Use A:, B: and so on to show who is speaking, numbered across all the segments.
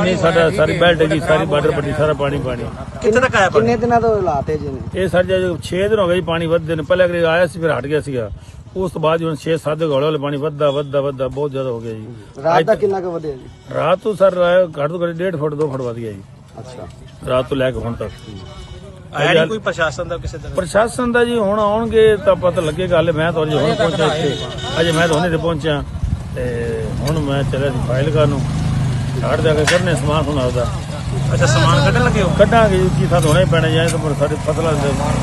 A: नहीं साडा सारी बेल्ट है जी, सारी बॉर्डर पट्टी सारा पानी पानी।
B: कितने तक आया पानी?
C: कितने दिनों तो हालात है जी ने?
A: ये सर जो 6 दिन हो गए जी पानी वधदे ने। पहले अगर आया सी फिर हट गया सीगा, उस तो बाद हुण 6-7 दिन हौले पानी वधदा वधदा वधदा बहुत ज्यादा हो गया जी।
C: रात का कितना का वधे जी?
A: रात तो सर घट तो घट 1.5 फुट 2 फुट वध गया जी
C: अच्छा
A: रात तो लैके हुण तक।
B: आया नहीं कोई प्रशासन का किसी तरह?
A: प्रशासन का जी हुण आउणगे तां पता लगेगा। हाले मैं तो अजे हुण पहुंचा इत्थे, अजे मैं तो हुणे ते पहुंचा ते हुण मैं चलिया सी फाइल करन घाट जाके करने समान हुण आपदा।
B: अच्छा सामान कटन लगे हो?
A: कटांगे जी, की साथ होना ही पैना जाए तो साडी फसलां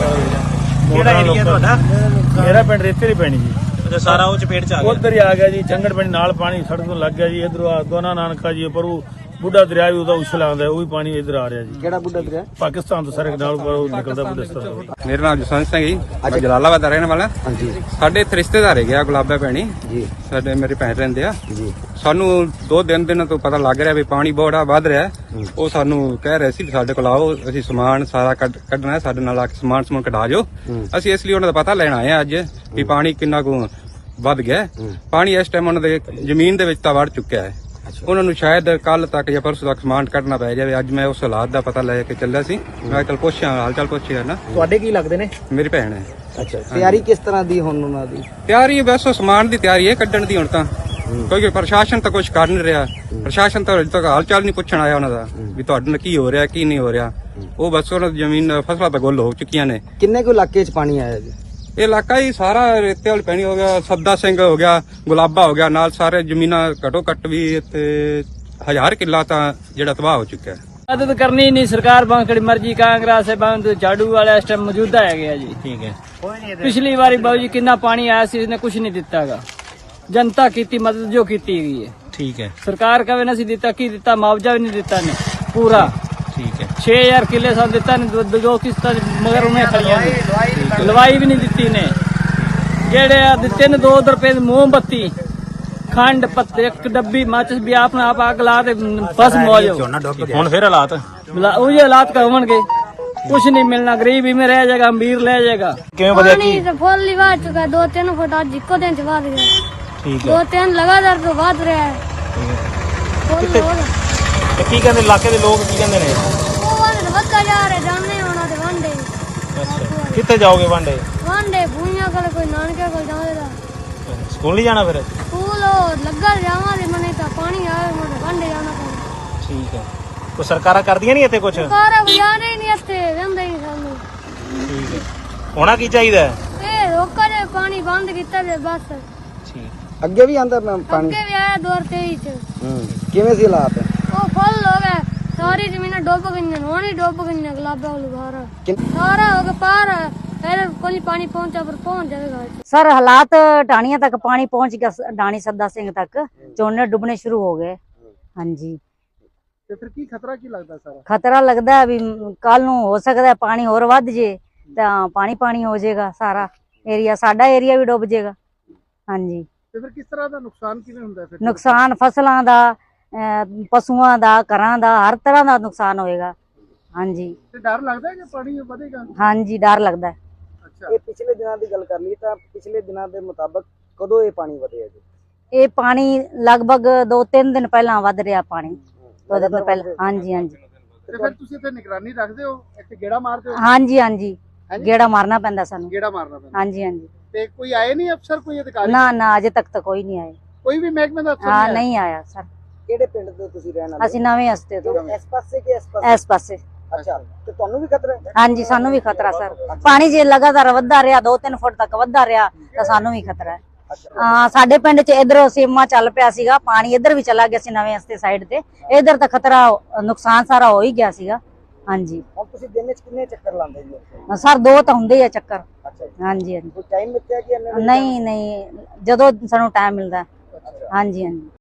B: ਕਿਹੜਾ ਏਰੀਆ ਤੁਹਾਡਾ?
A: मेरा पिंड रेते दी पैनी जी।
B: अच्छा सारा वो चपेट च आ गया?
A: उधर ही आ गया जी, चंगड़ पिंड नाल पानी सड़क तो लग गया जी। इधर दोना नानका जी पर बुढ़ा दरिया भी ਉਹਦਾ ਉਛਲ ਆਉਂਦਾ, ਉਹ ਵੀ ਪਾਣੀ ਇਧਰ ਆ ਰਿਹਾ ਜੀ।
C: ਕਿਹੜਾ ਬੁੱਢਾ ਦਰਿਆ?
A: ਪਾਕਿਸਤਾਨ ਤੋਂ ਸਾਰੇ ਨਾਲ ਨਿਕਲਦਾ ਬੁੱਢਾ ਦਰਿਆ।
D: ਮੇਰਾ ਨਾਮ ਜਸਵੰਤ ਸਿੰਘ ਜੀ, ਮੈਂ ਜਲਾਲਾਬਾਦ ਦਾ ਰਹਿਣ ਵਾਲਾ।
C: ਹਾਂਜੀ
D: ਸਾਡੇ ਇੱਥੇ ਰਿਸ਼ਤੇਦਾਰ ਹੈਗੇ ਆ ਗੁਲਾਬਾ ਭੈਣੀ
C: ਜੀ
D: ਸਾਡੇ, ਮੇਰੇ ਭੈਣ ਰਹਿੰਦੇ ਆ
C: ਜੀ।
D: ਸਾਨੂੰ 2 ਦਿਨ ਤੋਂ ਪਤਾ ਲੱਗ ਰਿਹਾ ਵੀ ਪਾਣੀ ਬੜਾ ਵੱਧ ਰਿਹਾ। ਉਹ ਸਾਨੂੰ ਕਹਿ ਰਹੇ ਸੀ ਵੀ ਸਾਡੇ ਕੋਲ ਆਓ, ਅਸੀਂ ਸਮਾਨ ਸਾਰਾ ਕੱਢਣਾ ਹੈ, ਸਾਡੇ ਨਾਲ ਆ ਕੇ ਸਮਾਨ ਕਢਾ ਜਾਓ। ਅਸੀਂ ਇਸ ਲਈ ਉਹਨਾਂ ਦਾ ਪਤਾ ਲੈਣ ਆਏ ਆ ਅੱਜ ਵੀ ਪਾਣੀ ਕਿੰਨਾ ਕੁ ਵੱਧ ਗਿਆ। ਪਾਣੀ ਇਸ ਟਾਈਮ ਉਹਨਾਂ ਦੇ ਜ਼ਮੀਨ ਦੇ ਵਿੱਚ ਤਾਂ ਵੜ ਚੁੱਕਿਆ ਹੈ। ਉਹਨਾਂ ਨੂੰ ਸ਼ਾਇਦ ਕੱਲ ਤੱਕ ਜਾਂ ਪਰਸੋਂ ਤੱਕ ਸਮਾਨ ਕੱਢਣਾ ਪੈ ਜਾਵੇ। ਅੱਜ ਮੈਂ ਉਸ ਹਾਲਾਤ ਦਾ ਪਤਾ ਲੈ ਕੇ ਚੱਲਿਆ ਸੀ। ਮੈਂ ਕੱਲ ਪੁੱਛਿਆ ਹਾਲ ਚਾਲ ਪੁੱਛਿਆ ਨਾ।
C: ਤੁਹਾਡੇ ਕੀ ਲੱਗਦੇ ਨੇ?
D: ਮੇਰੀ ਭੈਣ ਹੈ।
C: ਅੱਛਾ ਤਿਆਰੀ ਕਿਸ ਤਰ੍ਹਾਂ ਦੀ ਹੁਣ ਉਹਨਾਂ ਦੀ?
D: ਤਿਆਰੀ ਬਸ ਉਹ ਸਮਾਨ ਦੀ ਤਿਆਰੀ ਹੈ ਕੱਢਣ ਦੀ ਹੁਣ ਤਾਂ। ਕਿਉਂਕਿ ਪ੍ਰਸ਼ਾਸਨ ਤਾਂ ਕੁਝ ਕਰ ਨਹੀਂ ਰਿਹਾ। ਪ੍ਰਸ਼ਾਸਨ ਤਾਂ ਅਜੇ ਤੱਕ ਹਾਲ ਚਾਲ ਨਹੀਂ ਪੁੱਛਣ ਆਇਆ ਉਹਨਾਂ ਦਾ ਵੀ ਤੁਹਾਡੇ ਨਾਲ ਕੀ ਹੋ ਰਿਹਾ ਕੀ ਨਹੀਂ ਹੋ ਰਿਹਾ। ਉਹ ਬਸ ਉਹਨਾਂ ਦੀ ਜ਼ਮੀਨ ਫਸਲਾਂ ਤਾਂ ਗੁੱਲ ਹੋ ਚੁੱਕੀਆਂ ਨੇ।
C: ਕਿੰਨੇ ਕੁ ਇਲਾਕੇ 'ਚ ਪਾਣੀ ਆਇਆ ਜੀ?
D: ਇਹ ਇਲਾਕਾ ਹੀ ਸਾਰਾ ਰੇਤੇ ਵਾਲੀ ਪੈਣੀ ਹੋ ਗਿਆ, ਸੱਦਾ ਸਿੰਘ ਹੋ ਗਿਆ, ਗੁਲਾਬਾ ਹੋ ਗਿਆ, ਨਾਲ ਸਾਰੇ ਜ਼ਮੀਨਾਂ ਘਟੋ ਘੱਟ ਵੀ ਇੱਥੇ 1000 ਕਿੱਲਾ ਤਾਂ ਜਿਹੜਾ ਤਬਾਹ ਹੋ ਚੁੱਕਿਆ ਹੈ।
E: मदद करनी नहीं सरकार बांकड़ी मर्जी कांग्रेस है बांध झाड़ू वाले इस टाइम मौजूदा है गया जी। ठीक है पिछली बारी बाबू जी कितना पानी आया सी इसने कुछ नहीं दिता गा। जनता की मदद जो की गई है। ठीक है सरकार का भी नहीं दिता की दिता, मुआवजा भी नहीं दिता ने पूरा। ठीक है 6000 किले सब दिता ने, दो किस्त मगर उन्हें खड़िया लवाई भी नहीं दिती ने। जेड़े दिते ने 2 रुपए मोमबत्ती खंड पत्ते एक डब्बी माचिस भी आपने आप आग ला दे बस मौज।
B: ਹੁਣ ਫਿਰ ਹਾਲਾत
E: वही हालात का होंगे, कुछ नहीं मिलना, गरीब ही में रह जाएगा, अमीर ले जाएगा।
B: ਕਿਵੇਂ ਵਧਿਆ ਕੀ?
F: पानी तो फुल ही बढ़ चुका है, 2-3 फुट आज जिक्को दिन च बढ़ गया।
B: ਠੀਕ ਹੈ
F: 2-3 लगातार तो बढ़ रहा है। फुल हो गया।
B: ਤੇ ਕੀ ਕਹਿੰਦੇ ਇਲਾਕੇ ਦੇ ਲੋਕ ਕੀ ਕਹਿੰਦੇ ਨੇ?
F: वो वाले तो बढ़ता जा रहे, जाने होना तो वनडे
B: ਕਿੱਥੇ ਜਾਓਗੇ ਵਾਂਡੇ?
F: वनडे भूइयां कल कोई नानके को जावेगा।
B: ਸਕੂਲ ਨਹੀਂ ਜਾਣਾ ਫਿਰ?
F: स्कूल लगा जावांगे मने तो पानी आवे मोटे वनडे जाना पड़े।
B: ਠੀਕ ਹੈ ਕੋਈ ਸਰਕਾਰਾਂ ਕਰਦੀਆਂ ਨਹੀਂ ਇੱਥੇ ਕੁਝ?
F: सरकार बजाने ही नहीं आते, वेंदे ही सानू।
B: ਠੀਕ ਹੈ ਹੋਣਾ ਕੀ ਚਾਹੀਦਾ ਹੈ?
F: ए रोका जे पानी बंद कीता जे बस।
B: ਠੀਕ
C: ਅੱਗੇ ਵੀ ਆਂਦਾ ਪਾਣੀ?
F: अगे भी आया 2023 च।
C: ਕਿਵੇਂ ਸੀ ਹਾਲਾਤ?
F: वो फुल हो गए, सारी जमीन डुब गई, होनी डुब गई गुलाबा वालू बाहर सारा हो गया पार। पहले कोई पानी पहुंचा पर पहुंच जाएगा।
G: सर हालात ढाणिया तक पानी पहुंच गया, ढाणी सद्दा सिंह तक झोने डुबने शुरू हो गए। हाँ जी
C: ਤੇ ਫਿਰ ਕੀ ਖਤਰਾ ਕੀ ਲੱਗਦਾ ਸਾਰਾ?
G: खतरा लगता है भी कल नूं हो सकता है पानी होर वध जे तां पानी पानी हो जाएगा, सारा एरिया साडा एरिया भी डुब जाएगा। हाँ जी
C: ਤੇ ਫਿਰ ਕਿਸ ਤਰ੍ਹਾਂ ਦਾ ਨੁਕਸਾਨ ਕਿਵੇਂ ਹੁੰਦਾ ਫਿਰ?
G: नुकसान फसलों का, पशुओं का, घरां का, हर तरह का नुकसान होएगा। हाँ जी
C: ਤੇ ਡਰ ਲੱਗਦਾ ਹੈ ਕਿ ਪਾਣੀ ਵਧੇਗਾ?
G: हाँ जी डर लगता है।
C: ਅੱਛਾ ਇਹ ਪਿਛਲੇ ਦਿਨਾਂ ਦੀ ਗੱਲ ਕਰ ਲਈ ਤਾਂ ਪਿਛਲੇ ਦਿਨਾਂ ਦੇ ਮੁਤਾਬਕ ਕਦੋਂ ਇਹ ਪਾਣੀ ਵਧਿਆ ਜੀ?
G: ये पानी लगभग 2-3 दिन पहला वध रहा पानी। 2 दिन पहले। हाँ जी हाँ जी
C: ਤੇ ਫਿਰ ਤੁਸੀਂ ਇੱਥੇ ਨਿਗਰਾਨੀ ਰੱਖਦੇ ਹੋ, ਇੱਥੇ ਗੇੜਾ ਮਾਰਦੇ ਹੋ?
G: हाँ जी हाँ जी गेड़ा मारना पैंदा सानू।
C: ਗੇੜਾ ਮਾਰਨਾ ਪੈਂਦਾ।
G: हाँ जी हाँ जी
C: ਤੇ ਕੋਈ ਆਏ ਨਹੀਂ ਅਫਸਰ, ਕੋਈ ਅਧਿਕਾਰੀ?
G: ना ना अजे तक तो कोई नहीं आए।
C: ਕੋਈ ਵੀ ਮਹਿਕਮੇ ਦਾ ਅਫਸਰ
G: हाँ
C: ਨਹੀਂ
G: नहीं आया सर।
C: ਕਿਹੜੇ ਪਿੰਡ ਤੋਂ ਤੁਸੀਂ ਰਹਿਣ ਵਾਲੇ?
G: ਅਸੀਂ ਨਵੇਂ ਹਸਤੇ ਤੋਂ
C: ਇਸ ਪਾਸੇ ਕਿ ਇਸ ਪਾਸੇ?
G: ਇਸ ਪਾਸੇ।
C: ਅੱਛਾ ਤੇ ਤੁਹਾਨੂੰ ਵੀ ਖਤਰਾ ਹੈ?
G: ਹਾਂਜੀ ਸਾਨੂੰ ਵੀ ਖਤਰਾ ਸਰ। ਪਾਣੀ ਜੇ ਲਗਾਤਾਰ ਵੱਧਦਾ ਰਿਹਾ 2-3 ਫੁੱਟ ਤੱਕ ਵੱਧਦਾ ਰਿਹਾ ਤਾਂ ਸਾਨੂੰ ਵੀ ਖਤਰਾ ਹੈ। ਹਾਂ ਸਾਡੇ ਪਿੰਡ 'ਚ ਇਧਰ ਸੀਮਾ ਚੱਲ ਪਿਆ ਸੀਗਾ, ਪਾਣੀ ਇਧਰ ਵੀ ਚਲਾ ਗਿਆ ਸੀ ਨਵੇਂ ਹਸਤੇ ਸਾਈਡ ਤੇ। ਇਧਰ ਤਾਂ ਖਤਰਾ ਨੁਕਸਾਨ ਸਾਰਾ ਹੋ ਹੀ ਗਿਆ ਸੀਗਾ। ਹਾਂਜੀ
C: ਹੁਣ ਤੁਸੀਂ ਦਿਨ 'ਚ ਕਿੰਨੇ ਚੱਕਰ ਲਾਉਂਦੇ ਜੀ?
G: ਸਰ 2 ਤਾਂ ਹੁੰਦੇ ਹੀ ਆ ਚੱਕਰ।
C: ਅੱਛਾ
G: ਹਾਂਜੀ ਹਾਂਜੀ
C: ਕੋਈ ਟਾਈਮ ਮਿੱਥਿਆ ਕਿ ਇੰਨੇ?
G: ਨਹੀਂ ਨਹੀਂ ਜਦੋਂ ਸਾਨੂੰ ਟਾਈਮ ਮਿਲਦਾ। ਹਾਂਜੀ ਹਾਂਜੀ